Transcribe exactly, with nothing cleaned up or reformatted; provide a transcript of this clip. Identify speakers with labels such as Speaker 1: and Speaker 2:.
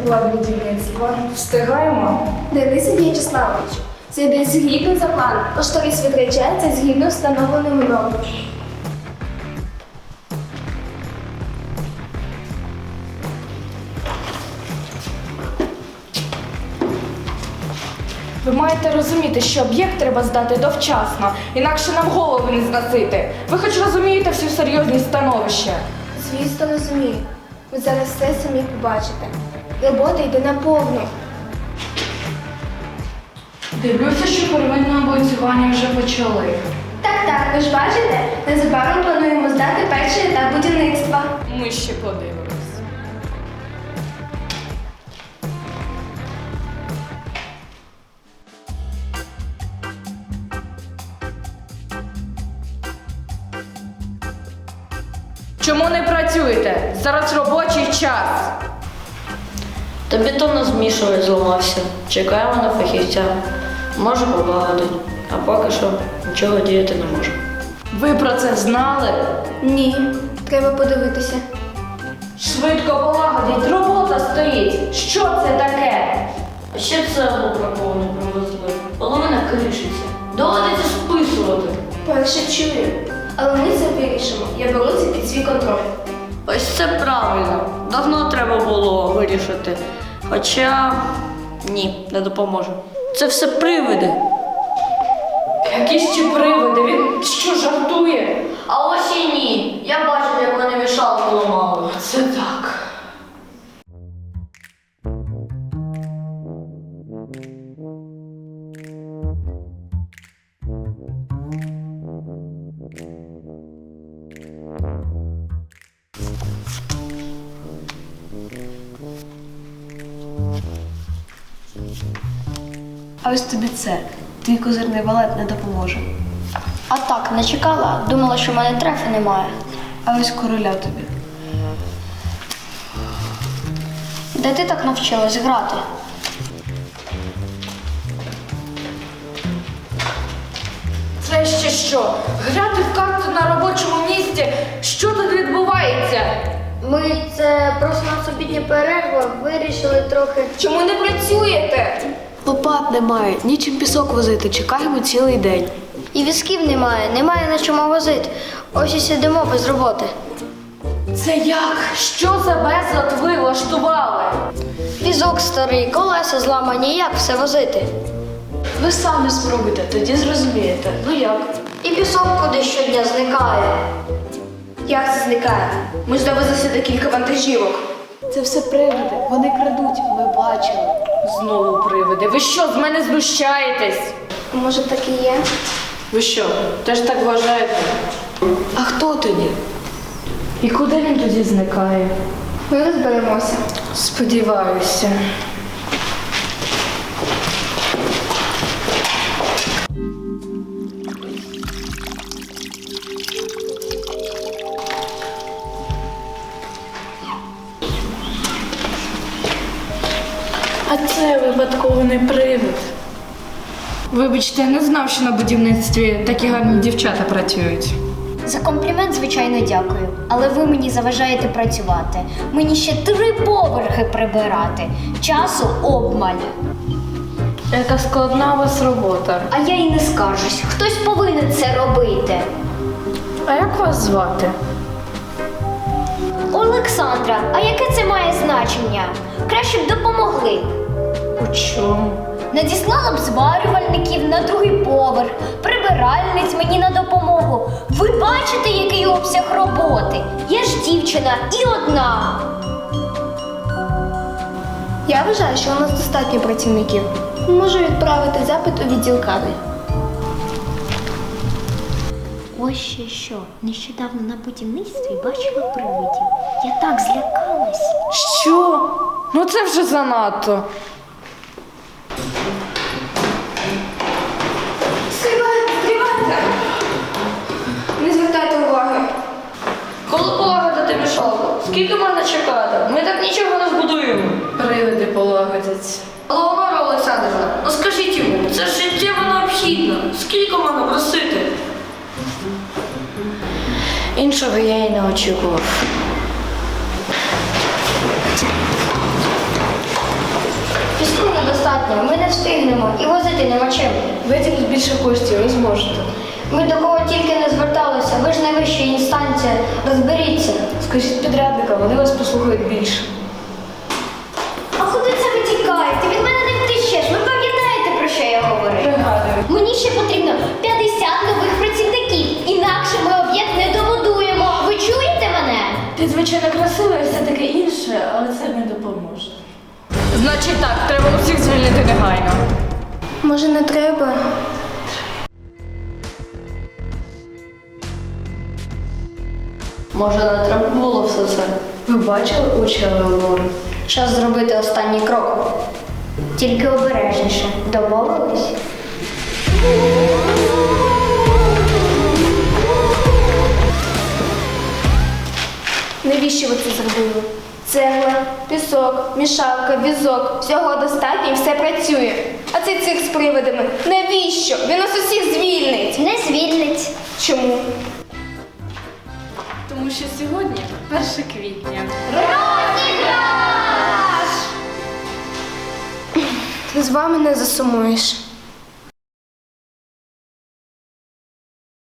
Speaker 1: будівництва. Встигаємо?
Speaker 2: Денис В'ячеславович, це йде згідно за планом. Кошторис відряджається згідно встановленими нормами.
Speaker 1: Ви маєте розуміти, що об'єкт треба здати довчасно, інакше нам голови не зносити. Ви хоч розумієте всю серйозність становища?
Speaker 2: Звісно, розумію. Ви зараз все самі побачите. Робота йде на повну.
Speaker 1: Дивлюся, що первинне облицювання вже почали.
Speaker 2: Так, так, ви ж бачите, незабаром плануємо здати перший етап будівництва.
Speaker 1: Ми ще подивимось. Чому не працюєте? Зараз робочий час.
Speaker 3: Та бетонно змішувач зламався. Чекаємо на фахівця. Може полагодить. А поки що нічого діяти не може.
Speaker 1: Ви про це знали?
Speaker 2: Ні, треба подивитися.
Speaker 1: Швидко полагодіть, робота стоїть. Що це таке?
Speaker 3: А ще цеглу браковану привезли. Половина кришиться. Доводиться списувати.
Speaker 2: Перше чую, але ми це вирішимо. Я беру це під свій контроль.
Speaker 3: Ось це правильно. Давно треба було вирішити. Хоча ні, не допоможе. Це все привиди.
Speaker 1: Які ще привиди? Він що, жартує?
Speaker 3: А ось і ні. Я бачив, як вони мішалку ламали.
Speaker 1: Це так.
Speaker 4: А ось тобі це. Твій козирний валет не допоможе.
Speaker 5: А так, не чекала, думала, що в мене трефи немає.
Speaker 4: А ось короля тобі.
Speaker 5: Де ти так навчилась грати?
Speaker 1: Це ще що? Грати в карти на робочому місці? Що тут відбувається?
Speaker 5: Ми це просто на обідня перерва вирішили трохи.
Speaker 2: Чому не працюєте?
Speaker 4: Лопат немає, нічим пісок возити, чекаємо цілий день.
Speaker 5: І візків немає, немає на чому возити. Ось і сидимо без роботи.
Speaker 1: Це як? Що за безлад ви влаштували?
Speaker 5: Візок старий, колеса зламані, як все возити?
Speaker 4: Ви самі спробуйте, тоді зрозумієте. Ну як?
Speaker 5: І пісок куди щодня зникає.
Speaker 2: Як це зникає? Ми ж довезли сюди кілька вантажівок.
Speaker 4: Це все привиди, вони крадуть, ми бачили.
Speaker 1: Знову привиди. Ви що, з мене знущаєтесь?
Speaker 2: Може, так і є?
Speaker 1: Ви що, теж так вважаєте?
Speaker 4: А хто тоді?
Speaker 1: І куди він тоді зникає?
Speaker 2: Ми розберемося.
Speaker 1: Сподіваюся. А це випадково не привид. Вибачте, я не знав, що на будівництві такі гарні дівчата працюють.
Speaker 5: За комплімент, звичайно, дякую. Але ви мені заважаєте працювати. Мені ще три поверхи прибирати. Часу обмаль.
Speaker 1: Яка складна у вас робота.
Speaker 5: А я й не скаржусь. Хтось повинен це робити.
Speaker 1: А як вас звати?
Speaker 5: Олександра, а яке це має значення? Краще б допомогли.
Speaker 1: У чому?
Speaker 5: Надіслала б зварювальників на другий поверх, прибиральниць мені на допомогу. Ви бачите, який обсяг роботи? Я ж дівчина і одна.
Speaker 2: Я вважаю, що у нас достатньо працівників. Можу відправити запит у відділ кадрів.
Speaker 5: Ось ще що. Нещодавно на будівництві бачила привидів. Я так злякалась.
Speaker 1: Що? Ну це вже занадто.
Speaker 2: Стривайте, стривайте! Не звертайте уваги.
Speaker 3: Коли полагодити мішалку? Скільки можна чекати? Ми так нічого не збудуємо.
Speaker 1: Привиди полагодять.
Speaker 3: Леонора Олександрівна, ну скажіть йому, це ж життєво необхідно. Скільки можна просити? Іншого я й не очікував.
Speaker 5: недостатньо, ми не встигнемо і возити нема чим.
Speaker 4: Виділіть більше коштів, ви зможете.
Speaker 5: Ми до кого тільки не зверталися, ви ж найвища інстанція, розберіться.
Speaker 4: Скажіть підрядникам, вони вас послухають більше.
Speaker 5: А куди це ви тікаєте? Від мене не втечеш. Ви пам'ятаєте, про що я говорю?
Speaker 4: Пригадую.
Speaker 5: Мені ще потрібно п'ятдесят нових працівників, інакше ми об'єкт не добудуємо. Ви чуєте мене?
Speaker 1: Ти, звичайно, красива і все таке інше, але це не допоможе. Значить так, треба усіх звільнити негайно.
Speaker 2: Може, не треба?
Speaker 3: Може, не треба було все це?
Speaker 4: Ви бачили очі Елеонори?
Speaker 5: Час зробити останній крок. Тільки обережніше. Домовились?
Speaker 2: Навіщо ви це зробили? Цегла, пісок, мішалка, візок. Всього достатньо і все працює. А цей цирк з привидами. Навіщо? Він нас усіх звільнить.
Speaker 5: Не звільнить.
Speaker 2: Чому?
Speaker 1: Тому що сьогодні перше квітня.
Speaker 2: З вами не засумуєш.